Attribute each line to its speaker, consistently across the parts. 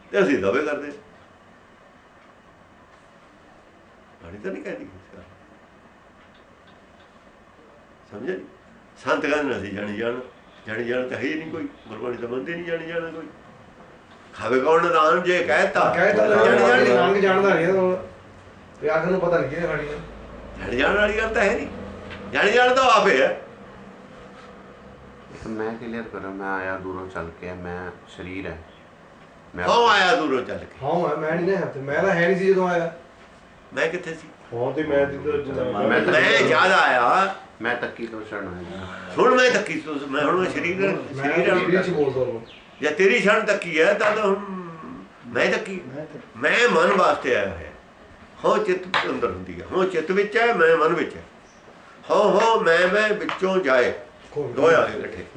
Speaker 1: ਤੇ ਅਸੀਂ ਦਾਅਵੇ ਕਰਦੇ। ਬਾਣੀ ਤਾਂ ਨਹੀਂ ਕਹਿੰਦੀ ਸਮਝਿਆ ਜੀ। ਸੰਤ ਕਹਿੰਦੇ ਅਸੀਂ ਜਾਣੀ ਜਾਣ, ਜਾਣੀ ਜਾਣ ਤਾਂ ਹੈ ਹੀ ਨਹੀਂ ਕੋਈ। ਗੁਰਬਾਣੀ ਤਾਂ ਮੰਨਦੇ ਨਹੀਂ ਜਾਣੀ ਜਾਣਾ ਕੋਈ। ਖਾਵੇ ਕੌਣ ਨਦਾਨ ਜੇ ਕਹਿਤਾ
Speaker 2: ਰੰਗ ਜਾਣਦਾ ਨਹੀਂ ਤੇ ਆਖਰ ਨੂੰ ਪਤਾ ਨਹੀਂ ਕਿਹਨੇ ਖਾਣੀ ਹੈ।
Speaker 1: ਜਾਣੀ ਜਾਣ ਵਾਲੀ ਗੱਲ ਤਾਂ ਹੈ ਨਹੀਂ। ਜਾਣੀ ਜਾਣ ਤਾਂ ਆਪੇ ਹੈ।
Speaker 3: ਮੈਂ ਕਲੀਅਰ ਕਰਾਂ, ਮੈਂ ਆਇਆ ਦੂਰੋਂ ਚੱਲ ਕੇ, ਮੈਂ ਸਰੀਰ ਹੈ।
Speaker 1: ਹਾਂ ਆਇਆ ਦੂਰੋਂ ਚੱਲ ਕੇ।
Speaker 2: ਹਾਂ ਮੈਂ ਨਹੀਂ ਨਾ, ਮੈਂ ਤਾਂ ਹੈ ਨਹੀਂ ਸੀ ਜਦੋਂ ਆਇਆ।
Speaker 1: ਮੈਂ ਕਿੱਥੇ ਸੀ?
Speaker 2: ਹਾਂ ਤੇ ਮੈਂ
Speaker 1: ਜ਼ਿਆਦਾ ਆਇਆ।
Speaker 3: ਮੈਂ ਤੱਕੀ ਤੋਂ ਛੜਨ ਆਇਆ।
Speaker 1: ਹੁਣ ਮੈਂ ਤੱਕੀ ਤੋਂ, ਮੈਂ ਹੁਣ ਸਰੀਰ
Speaker 2: ਚ ਬੋਲਦਾ
Speaker 1: ਜਾਂ ਤੇਰੀ ਛਣ ਤੱਕੀ ਹੈ ਤਾਂ ਹੁਣ ਮੈਂ ਤੱਕੀ। ਮੈਂ ਮਨ ਵਾਸਤੇ ਆਇਆ ਹੋਇਆ। ਹੋ ਚਿੱਤ ਅੰਦਰ ਹੁੰਦੀ ਹੈ, ਹੋ ਚਿੱਤ ਵਿੱਚ ਹੈ, ਮੈਂ ਮਨ ਵਿੱਚ ਹੈ। ਹੋ ਮੈਂ ਵਿੱਚੋਂ ਜਾਏ, ਦੋਏ ਆ ਗਏ ਇਕੱਠੇ।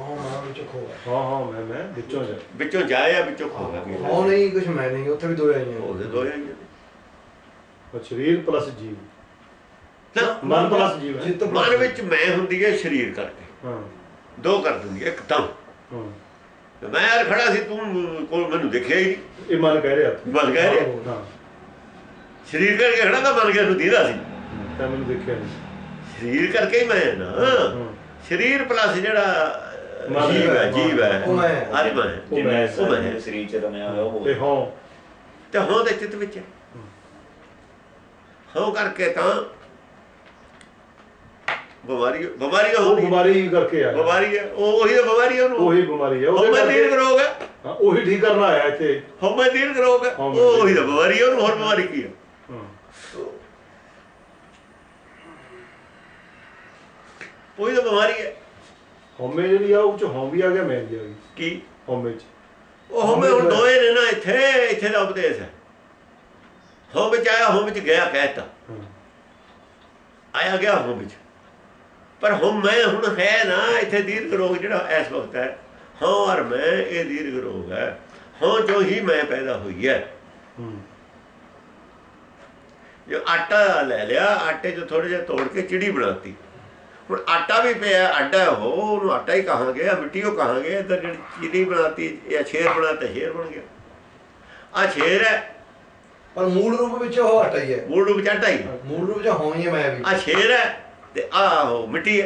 Speaker 1: ਵਿੱਚੋਂ ਜਾਏ ਆ, ਵਿੱਚੋਂ ਖੋ ਗਿਆ।
Speaker 2: ਹਾਂ ਨਹੀਂ ਕੁਛ ਮੈਂ ਨਹੀਂ, ਉੱਥੇ ਵੀ ਦੋਏ ਆਈਆਂ।
Speaker 1: ਉਹਦੇ ਦੋਏ ਆਈਆਂ
Speaker 2: ਸਰੀਰ ਪਲੱਸ ਜੀਵ,
Speaker 1: ਮਨ ਪਲੱਸ ਜੀਵ। ਮਨ ਵਿੱਚ ਮੈਂ ਹੁੰਦੀ ਹੈ ਸਰੀਰ ਕਰਕੇ, ਦੋ ਕਰ ਦਿੰਦੀ ਹੈ ਇੱਕਦਮ। ਮੈਂ ਯਾਰ ਖੜਾ ਸੀ, ਤੂੰ ਕੋਲ ਮੈਨੂੰ ਦੇਖਿਆ ਹੀ ਨਹੀਂ।
Speaker 2: ਇਹ ਮਨ ਕਹਿ ਰਿਹਾ,
Speaker 1: ਮਨ ਕਹਿ ਰਿਹਾ। ਸਰੀਰ ਕਰਕੇ ਖੜਾ ਤਾਂ ਮਨ ਗਿਆ ਨੂੰ ਦੀਦਾ ਸੀ,
Speaker 2: ਤਾਂ ਮੈਨੂੰ ਦੇਖਿਆ ਨਹੀਂ।
Speaker 1: ਸਰੀਰ ਕਰਕੇ ਹੀ ਮੈਂ ਨਾ, ਸਰੀਰ ਪਲੱਸ ਜਿਹੜਾ ਜੀਵ ਹੈ, ਜੀਵ ਹੈ, ਆਤਮਾ ਹੈ।
Speaker 4: ਸਰੀਰ ਚ ਰਮਿਆ ਹੋਇਆ
Speaker 1: ਤੇ ਹੋਂ ਦੇ ਚਿੱਤ ਵਿੱਚ ਹੈ। ਹੋ ਕਰਕੇ ਤਾਂ ਬਿਮਾਰੀ ਹੋ
Speaker 2: ਬਿਮਾਰੀ ਕਰਕੇ ਆ,
Speaker 1: ਬਿਮਾਰੀ ਹੈ ਉਹੀ ਤਾਂ ਬਿਮਾਰੀ ਹੈ।
Speaker 2: ਉਹੀ ਬਿਮਾਰੀ ਹੈ,
Speaker 1: ਹਉਮੈ ਦੀਰਘ ਰੋਗ ਹੈ।
Speaker 2: ਉਹੀ ਠੀਕ ਕਰਨਾ ਆਇਆ ਇੱਥੇ।
Speaker 1: ਹਉਮੈ ਦੀਰਘ ਰੋਗ ਹੈ, ਉਹੀ ਤਾਂ ਬਿਮਾਰੀ ਹੈ। ਉਹਨੂੰ ਹੋਰ ਬਿਮਾਰੀ ਕੀ ਹੈ? ਉਹੀ ਤਾਂ ਬਿਮਾਰੀ ਹੈ।
Speaker 2: ਹਉਮੈ ਜਿਹੜੀ ਆ ਉਹ ਚ ਹਉਂ ਵੀ ਆ ਗਿਆ, ਮੈਂ ਵੀ ਆ ਗਈ।
Speaker 1: ਕੀ
Speaker 2: ਹਉਮੈ ਚ?
Speaker 1: ਉਹ ਹਉਮੈ ਹੁਣ ਦੋਏ ਨੇ ਨਾ। ਇੱਥੇ ਦਾ ਉਪਦੇਸ਼ ਹੈ। ਹੋ ਵਿੱਚ ਆਇਆ, ਹੋ ਵਿੱਚ ਗਿਆ, ਕਹਿਤਾ ਆਇਆ ਗਿਆ ਹੋ ਵਿੱਚ। ਪਰ ਹੁਣ ਮੈਂ ਹੁਣ ਹੈ ਨਾ ਇੱਥੇ। ਦੀਰਘ ਰੋਗ ਜਿਹੜਾ ਇਸ ਵਕਤ ਹੈ, ਹਾਂ ਔਰ ਮੈਂ, ਇਹ ਦੀਰਘ ਰੋਗ ਹੈ। ਹਾਂ ਜੋ ਹੀ ਮੈਂ ਪੈਦਾ ਹੋਈ ਹੈ। ਜੋ ਆਟਾ ਲੈ ਲਿਆ, ਆਟੇ 'ਚ ਥੋੜ੍ਹਾ ਜਿਹਾ ਤੋੜ ਕੇ ਚਿੜੀ ਬਣਾਤੀ। ਹੁਣ ਆਟਾ ਵੀ ਪਿਆ ਆਟਾ, ਉਹਨੂੰ ਆਟਾ ਹੀ ਕਹਾਂਗੇ, ਮਿੱਟੀ ਉਹ ਕਹਾਂਗੇ। ਇੱਧਰ ਜਿਹੜੀ ਚਿੜੀ ਬਣਾਤੀ ਜਾਂ ਸ਼ੇਰ ਬਣਾਤਾ, ਸ਼ੇਰ ਬਣ ਗਿਆ। ਆਹ ਸ਼ੇਰ ਹੈ, ਪਰ
Speaker 2: ਮੂਲ ਰੂਪ ਵਿੱਚ ਉਹ ਆਟਾ ਹੀ ਹੈ।
Speaker 1: ਮੂਲ ਰੂਪ 'ਚ ਆਟਾ ਹੀ,
Speaker 2: ਮੂਲ ਰੂਪ 'ਚ ਹੋਂ ਹੀ ਹੈ ਮੈਂ ਵੀ।
Speaker 1: ਆਹ ਸ਼ੇਰ ਹੈ ਤੇ ਆਹ ਮਿੱਟੀ ਹੈ।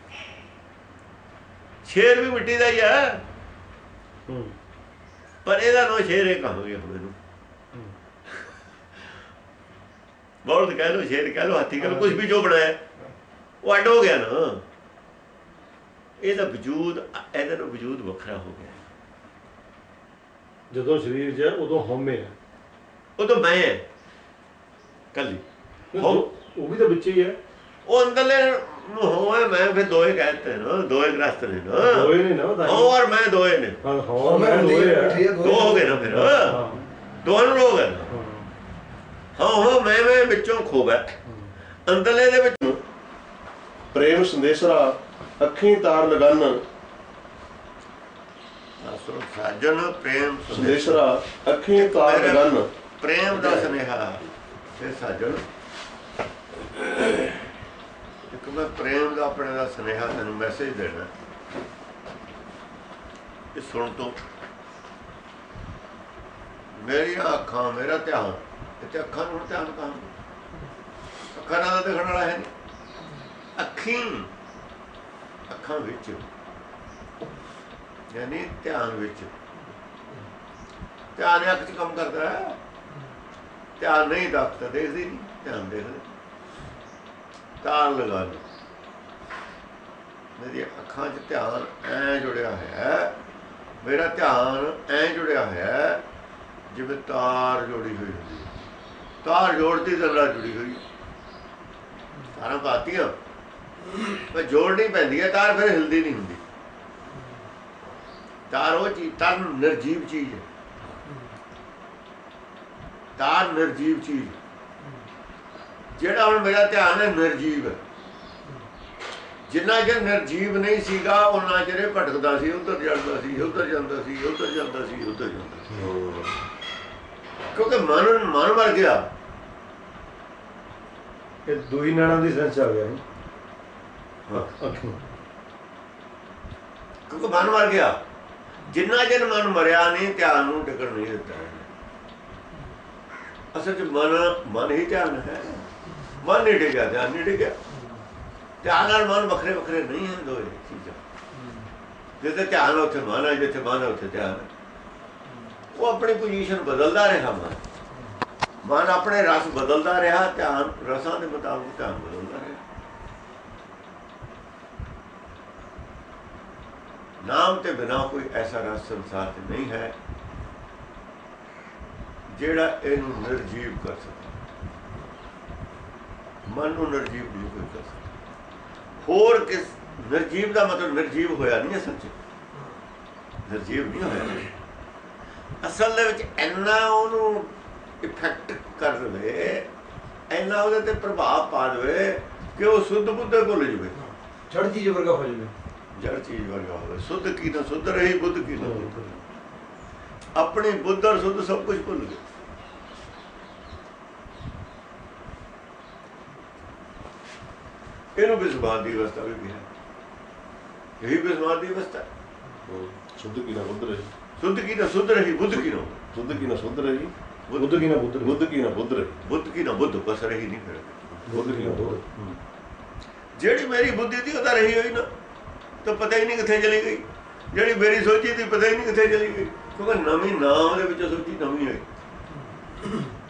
Speaker 1: ਸ਼ੇਰ ਵੀ ਮਿੱਟੀ ਦਾ ਹੀ ਹੈ, ਪਰ ਇਹਦਾ ਨਾਂ ਸ਼ੇਰ ਇਹ ਕਹਾਂਗੇ ਹੁਣ ਇਹਨੂੰ। ਬਲਦ ਕਹਿ ਲਓ, ਸ਼ੇਰ ਕਹਿ ਲਓ, ਹਾਥੀ ਕਹਿ ਲਓ, ਕੁਛ ਵੀ ਜੋ ਬਣਾਇਆ ਉਹ ਅੱਡ ਹੋ ਗਿਆ ਨਾ। ਇਹਦਾ ਵਜੂਦ, ਇਹਦਾ ਨਾਲ ਵਜੂਦ ਵੱਖਰਾ ਹੋ ਗਿਆ।
Speaker 2: ਜਦੋਂ ਸਰੀਰ 'ਚ ਉਦੋਂ ਹਉਮੈ ਹੈ,
Speaker 1: ਉਦੋਂ ਮੈਂ ਹੈ ਕੱਲੀ।
Speaker 2: ਉਹ ਵੀ ਤਾਂ ਵਿੱਚ ਹੀ ਹੈ।
Speaker 1: ਉਹ ਅੰਦਰਲੇ ਨੂੰ ਹੋਵੇ ਮੈਂ, ਫਿਰ ਦੋਏ ਕਹਿਤੇ ਨਾ, ਦੋਏ ਗ੍ਰਸਤ ਨੇ ਨਾ,
Speaker 2: ਦੋਏ ਨੇ ਨਾ,
Speaker 1: ਹੋ ਔਰ ਮੈਂ ਦੋਏ ਨੇ।
Speaker 2: ਦੋ ਹੋ
Speaker 1: ਗਏ ਨਾ, ਫਿਰ ਦੋਹਾਂ ਨੂੰ ਰੋਗ ਹੈ ਨਾ। ਹੋ ਮੈਂ ਵਿੱਚੋਂ ਖੋ ਗਿਆ। ਅੰਦਰਲੇ ਦੇ ਵਿੱਚ
Speaker 5: ਪ੍ਰੇਮ ਸੰਦੇਸ਼ਰਾ ਅੱਖੀਂ ਤਾਰ ਲਗਨ।
Speaker 1: ਸਾਜਨ ਪ੍ਰੇਮ
Speaker 5: ਸੰਦੇਸ਼ਰਾ ਅੱਖੀਂ ਤਾਰ ਲਗਨ।
Speaker 1: ਪ੍ਰੇਮ ਦਾ ਸੁਨੇਹਾ ਤੇ ਸਾਜਨ, ਇੱਕ ਮੈਂ ਪ੍ਰੇਮ ਦਾ ਆਪਣੇ ਦਾ ਸੁਨੇਹਾ ਤੈਨੂੰ ਮੈਸੇਜ ਦੇਣਾ। ਇਹ ਸੁਣ ਤੋਂ ਮੇਰੀਆਂ ਅੱਖਾਂ, ਮੇਰਾ ਧਿਆਨ ਇੱਥੇ। ਅੱਖਾਂ ਨੂੰ ਧਿਆਨ ਕਹਾਂ, ਅੱਖਾਂ ਨਾਲ ਦੇਖਣ ਵਾਲਾ ਹੈ ਨਹੀਂ। ਅੱਖਾਂ ਵਿੱਚ ਯਾਨੀ ਧਿਆਨ ਵਿੱਚ। ਧਿਆਨ ਅੱਖ 'ਚ ਕੰਮ ਕਰਦਾ ਹੈ। ਧਿਆਨ ਨਹੀਂ ਦਖਤ ਦੇਖਦੀ ਨਹੀਂ, ਧਿਆਨ ਦੇਖਦੇ। ਤਾਰ ਲਗਾ ਲਓ, ਮੇਰੀਆਂ ਅੱਖਾਂ 'ਚ ਧਿਆਨ ਐਂ ਜੁੜਿਆ ਹੋਇਆ। ਮੇਰਾ ਧਿਆਨ ਐਂ ਜੁੜਿਆ ਹੋਇਆ ਜਿਵੇਂ ਤਾਰ ਜੋੜੀ ਹੋਈ ਹੁੰਦੀ। ਤਾਰ ਜੋੜਦੀ ਤਾਂ ਨਾਲ ਜੁੜੀ ਹੋਈ। ਤਾਰਾਂ ਪਾਤੀਆਂ ਪਰ ਜੋੜਨੀ ਪੈਂਦੀ ਹੈ ਤਾਰ, ਫਿਰ ਹਿਲਦੀ ਨਹੀਂ ਹੁੰਦੀ। ਤਾਰ ਉਹ ਚੀਜ਼, ਤਾਰ ਨਿਰਜੀਵ ਚੀਜ਼ ਹੈ। ਤਾਰ ਨਿਰਜੀਵ ਚੀਜ਼। ਜਿਹੜਾ ਹੁਣ ਮੇਰਾ ਧਿਆਨ ਹੈ ਨਿਰਜੀਵ ਹੈ। ਜਿੰਨਾ ਚਿਰ ਨਿਰਜੀਵ ਨਹੀਂ ਸੀਗਾ ਉਹਨਾਂ ਚਿਰ ਭਟਕਦਾ ਸੀ, ਉੱਧਰ ਜਾਂਦਾ ਸੀ, ਉੱਧਰ ਜਾਂਦਾ ਸੀ, ਉੱਧਰ ਜਾਂਦਾ ਸੀ, ਉੱਧਰ ਜਾਂਦਾ ਸੀ। ਕਿਉਂਕਿ ਮਨ ਮਰ ਗਿਆ।
Speaker 2: ਇਹ ਦੋਈ ਨਾੜਾਂ ਦੀ ਸੈਂਸ ਆ ਗਿਆ।
Speaker 1: ਕਿਉਂਕਿ ਮਨ ਮਰ ਗਿਆ। ਜਿੰਨਾ ਚਿਰ ਮਨ ਮਰਿਆ ਨਹੀਂ ਧਿਆਨ ਨੂੰ ਟਿਕਣ ਨਹੀਂ ਦਿੱਤਾ। ਅਸਲ 'ਚ ਮਨ ਹੀ ਧਿਆਨ ਹੈ। ਮਨ ਨਹੀਂ ਡਿੱਗਿਆ, ਧਿਆਨ ਨਹੀਂ ਡਿੱਗਿਆ। ਧਿਆਨ ਨਾਲ ਮਨ ਵੱਖਰੇ ਵੱਖਰੇ ਨਹੀਂ ਹੈ ਦੋਏ ਚੀਜ਼ਾਂ। ਜਿੱਥੇ ਧਿਆਨ ਉੱਥੇ ਮਨ ਹੈ, ਜਿੱਥੇ ਮਨ ਹੈ ਉੱਥੇ ਧਿਆਨ ਹੈ। ਉਹ ਆਪਣੀ ਪੋਜੀਸ਼ਨ ਬਦਲਦਾ ਰਿਹਾ। ਮਨ ਆਪਣੇ ਰਸ ਬਦਲਦਾ ਰਿਹਾ, ਧਿਆਨ ਰਸਾਂ ਦੇ ਮੁਤਾਬਕ ਧਿਆਨ ਬਦਲਦਾ ਰਿਹਾ। ਨਾਮ ਤੇ ਬਿਨਾਂ ਕੋਈ ਐਸਾ ਰਸ ਸੰਸਾਰ 'ਚ ਨਹੀਂ ਹੈ ਜਿਹੜਾ ਇਹਨੂੰ ਨਿਰਜੀਵ ਕਰ ਸਕੇ। ਮਨ ਨੂੰ ਨਿਰਜੀਵ ਨਹੀਂ ਕੋਈ ਕਰ ਸਕਦਾ। ਹੋਰ ਕਿਸ ਨਿਰਜੀਵ ਦਾ ਮਤਲਬ ਨਿਰਜੀਵ ਹੋਇਆ ਨਹੀਂ ਅਸਲ 'ਚ, ਨਿਰਜੀਵ ਨਹੀਂ ਹੋਇਆ। ਅਸਲ ਦੇ ਵਿੱਚ ਇੰਨਾ ਉਹਨੂੰ ਇਫੈਕਟ ਕਰ ਦੇਵੇ, ਇੰਨਾ ਉਹਦੇ ਤੇ ਪ੍ਰਭਾਵ ਪਾ ਦੇਵੇ ਕਿ ਉਹ ਸੁੱਧ ਬੁੱਧ ਭੁੱਲ ਜਾਵੇ,
Speaker 2: ਜੜ ਚੀਜ਼ ਵਰਗਾ ਹੋ ਜਾਵੇ।
Speaker 1: ਜੜ ਚੀਜ਼ ਵਰਗਾ ਹੋਵੇ। ਸੁੱਧ ਕੀ ਨਾ ਸੁੱਧ ਰਹੀ, ਬੁੱਧ ਕੀ ਨਾ ਬੁੱਧ। ਆਪਣੀ ਬੁੱਧ ਔਰ ਸੁੱਧ ਸਭ ਕੁਝ ਭੁੱਲ ਗਏ। ਇਹਨੂੰ ਬਿਸਮਾਦ ਦੀ ਅਵਸਥਾ ਵੀ ਕਿਹਾ। ਇਹੀ ਬਿਸਮਾਦ ਦੀ ਅਵਸਥਾ।
Speaker 5: ਸੁੱਧ ਕੀ ਨਾ ਬੁੱਧ ਰਹੀ,
Speaker 1: ਸੁੱਧ ਕੀ ਨਾ ਸੁੱਧ ਰਹੀ, ਬੁੱਧ ਕੀ ਨਾ
Speaker 5: ਸੁੱਧ ਕੀ ਨਾ ਸੁੱਧ ਰਹੀ,
Speaker 2: ਬੁੱਧ ਕੀ ਨਾ ਬੁੱਧ,
Speaker 5: ਬੁੱਧ ਕੀ ਨਾ ਬੁੱਧ ਰਹੀ,
Speaker 1: ਬੁੱਧ ਕੀ ਨਾ ਬੁੱਧ, ਬਸ ਰਹੀ ਨਹੀਂ ਫਿਰ।
Speaker 5: ਬੁੱਧ ਕੀ ਨਾ ਬੁੱਧ।
Speaker 1: ਜਿਹੜੀ ਮੇਰੀ ਬੁੱਧੀ ਸੀ ਉਹ ਤਾਂ ਰਹੀ ਹੋਈ ਨਾ, ਤਾਂ ਪਤਾ ਹੀ ਨਹੀਂ ਕਿੱਥੇ ਚਲੀ ਗਈ। ਜਿਹੜੀ ਮੇਰੀ ਸੋਚੀ ਸੀ ਪਤਾ ਹੀ ਨਹੀਂ ਕਿੱਥੇ ਚਲੀ ਗਈ, ਕਿਉਂਕਿ ਨਵੀਂ ਨਾਮ ਦੇ ਵਿੱਚ ਸੋਚੀ ਨਵੀਂ ਹੋਈ।